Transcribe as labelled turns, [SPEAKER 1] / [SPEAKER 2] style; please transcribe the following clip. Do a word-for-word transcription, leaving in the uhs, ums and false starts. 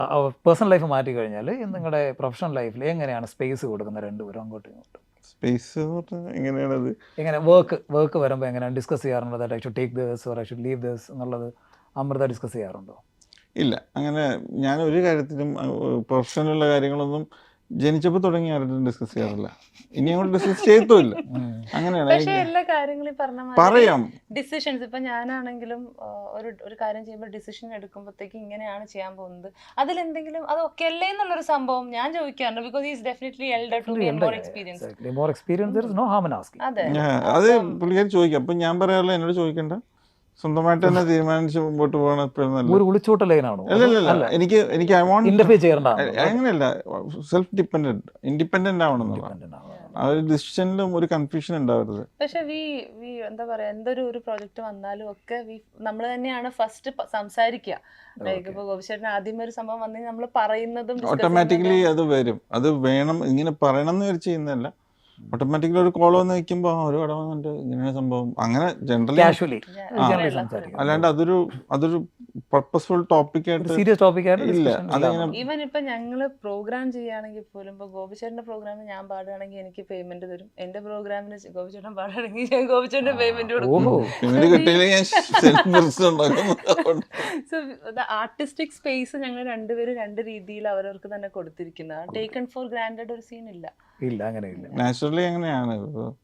[SPEAKER 1] Personal life മാറ്റി കഴിഞ്ഞാൽ നിങ്ങളുടെ പ്രൊഫഷണൽ ലൈഫിൽ എങ്ങനെയാണ് സ്പേസ് കൊടുക്കുന്നത് രണ്ടുപേരും അങ്ങോട്ടും ഇങ്ങോട്ടും?
[SPEAKER 2] സ്പേസ് എങ്ങനെയാണത്?
[SPEAKER 1] എങ്ങനെ വർക്ക് വർക്ക് വരുമ്പോൾ എങ്ങനെയാണ് ഡിസ്കസ് ചെയ്യാറുണ്ടോ? That I should take this or I should leave this എന്നുള്ളത് അമൃത ഡിസ്കസ് ചെയ്യാറുണ്ടോ?
[SPEAKER 2] ഇല്ല, അങ്ങനെ ഞാൻ ഒരു കാര്യത്തിലും പ്രൊഫഷണലുള്ള കാര്യങ്ങളൊന്നും ജനിച്ചപ്പോൾ തുടങ്ങി ആരും ഡിസ്കസ് ചെയ്യാറില്ല. ഇനി അങ്ങോട്ട് ഡിസ്കസ് ചെയ്യത്തുമില്ല. അങ്ങനെയാണ്
[SPEAKER 3] പക്ഷെ എല്ലാ കാര്യങ്ങളും പറഞ്ഞ
[SPEAKER 2] പറയാം.
[SPEAKER 3] ഡിസിഷൻസ് ഇപ്പൊ ഞാനാണെങ്കിലും ആ, ഒരു ഒരു കാര്യം ചെയ്യുമ്പോൾ ഡിസിഷൻ എടുക്കുമ്പോഴത്തേക്ക് ഇങ്ങനെയാണ് ചെയ്യാൻ പോകുന്നത്, അതിലെന്തെങ്കിലും അത് ഓക്കെ അല്ലേ എന്നുള്ളൊരു സംഭവം ഞാൻ ചോദിക്കാറുണ്ട്. Because is definitely elder to be more experience.
[SPEAKER 1] Exactly. More experience, there is no harm in asking.
[SPEAKER 3] അതെ,
[SPEAKER 2] ഞാൻ- അത് പുള്ളിക്കാരി ചോദിക്കാം. അപ്പം ഞാൻ പറയാറില്ല, എന്നോട് ചോദിക്കണ്ട, സ്വന്തമായിട്ട് തന്നെ തീരുമാനിച്ച് മുമ്പോട്ട് പോകണം എപ്പോഴും നല്ല.
[SPEAKER 1] ഒരു ഒളിച്ചോട്ട ലൈനാണോ?
[SPEAKER 2] അല്ലല്ല, എനിക്ക് എനിക്ക് ഐ വോണ്ട്
[SPEAKER 1] ഇന്റർഫിയർ ചെയ്യേണ്ട
[SPEAKER 2] അങ്ങനെയല്ല, സെൽഫ് ഡിപ്പെൻഡന്റ് ഇൻഡിപെൻഡന്റ് ആവണം എന്നുള്ള ആ ഒരു ഡിസിഷനിലും ഒരു കൺഫ്യൂഷൻ ഉണ്ടാവരുത്.
[SPEAKER 3] പക്ഷെ വി വി എന്താ പറയാ, എന്തൊരു ഒരു പ്രോജക്റ്റ് വന്നാലും ഒക്കെ വി നമ്മൾ തന്നെയാണ് ഫസ്റ്റ് സംസാരിക്കുക. ലൈക്ക് ഇപ്പൊ ഗോപിച്ചേട്ടൻ ആദ്യമേ ഒരു സംഭവം വന്നെങ്കിൽ നമ്മൾ പറയുന്നതും discuss
[SPEAKER 2] ഓട്ടോമാറ്റിക്കലി
[SPEAKER 3] ചെയ്യുന്നതും-
[SPEAKER 2] അത് വരും. അത് വേണം, ഇങ്ങനെ പറയണം എന്ന് വരെ ചെയ്യുന്നതല്ല. ഓട്ടോമാറ്റിക്കലി ഒരു കോൾ വന്ന് നിൽക്കുമ്പോൾ ഒരു കട വന്നിട്ട് ഇങ്ങനെയാണ് സംഭവം, അങ്ങനെ ജനറലി,
[SPEAKER 1] കാഷ്വലി
[SPEAKER 3] ആ,
[SPEAKER 1] ജനറലി
[SPEAKER 3] ആ,
[SPEAKER 1] സംസാരിക്കും.
[SPEAKER 2] അല്ലാണ്ട് അതൊരു അതൊരു പർപ്പസ്ഫുൾ ടോപ്പിക് ആയിട്ട്
[SPEAKER 1] സീരിയസ് ടോപ്പിക് ആയിട്ട്
[SPEAKER 2] ഇല്ല.
[SPEAKER 1] discussion
[SPEAKER 2] അതങ്ങനെ
[SPEAKER 1] ഇല്ല.
[SPEAKER 3] ഈവൻ ഇപ്പൊ ഞങ്ങള് പ്രോഗ്രാം ചെയ്യുകയാണെങ്കിൽ പോലും ഇപ്പൊ ഗോപിച്ചേട്ടന്റെ പ്രോഗ്രാമിന് ഞാൻ പാടുകയാണെങ്കിൽ എനിക്ക് പേയ്മെന്റ് തരും, എന്റെ പ്രോഗ്രാമിന് ഗോപിച്ചേട്ടൻ പാടുകയാണെങ്കിൽ ഞാൻ ഗോപിച്ചേട്ടന്റെ പേയ്മെന്റ് കൊടുക്കും.
[SPEAKER 1] ഓഹോ.
[SPEAKER 2] പേയ്മെന്റ് കിട്ടിയില്ലെങ്കിൽ ഞാൻ സെൽഫ് പ്രശ്നം ഉണ്ടാക്കുന്നു.
[SPEAKER 3] സോ ആർട്ടിസ്റ്റിക് സ്പേസ് ഞങ്ങൾ രണ്ടുപേരും രണ്ട് രീതിയിൽ അവരവർക്ക് തന്നെ കൊടുത്തിരിക്കുന്നത്. ടേക്കൺ ഫോർ ഗ്രാൻഡഡ് ഒരു സീൻ ഇല്ല.
[SPEAKER 1] ഇല്ല, അങ്ങനെ ഇല്ല.
[SPEAKER 2] നാച്ചുറലി അങ്ങനെയാണ്.